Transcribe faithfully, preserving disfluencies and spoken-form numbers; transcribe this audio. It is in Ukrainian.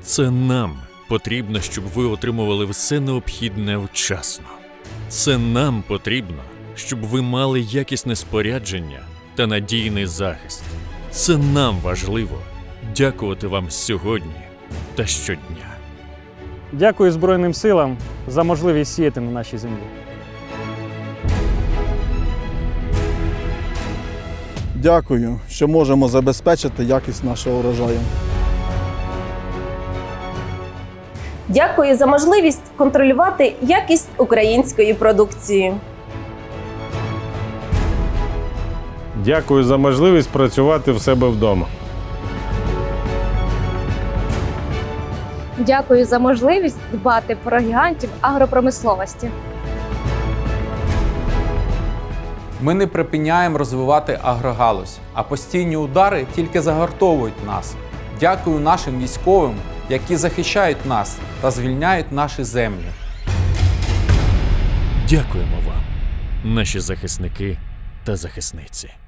Це нам потрібно, щоб ви отримували все необхідне вчасно. Це нам потрібно, щоб ви мали якісне спорядження та надійний захист. Це нам важливо дякувати вам сьогодні та щодня. Дякую Збройним силам за можливість сіяти на нашій землі. Дякую, що можемо забезпечити якість нашого урожаю. Дякую за можливість контролювати якість української продукції. Дякую за можливість працювати в себе вдома. Дякую за можливість дбати про гігантів агропромисловості. Ми не припиняємо розвивати агрогалузь, а постійні удари тільки загартовують нас. Дякую нашим військовим, які захищають нас та звільняють наші землі. Дякуємо вам, наші захисники та захисниці.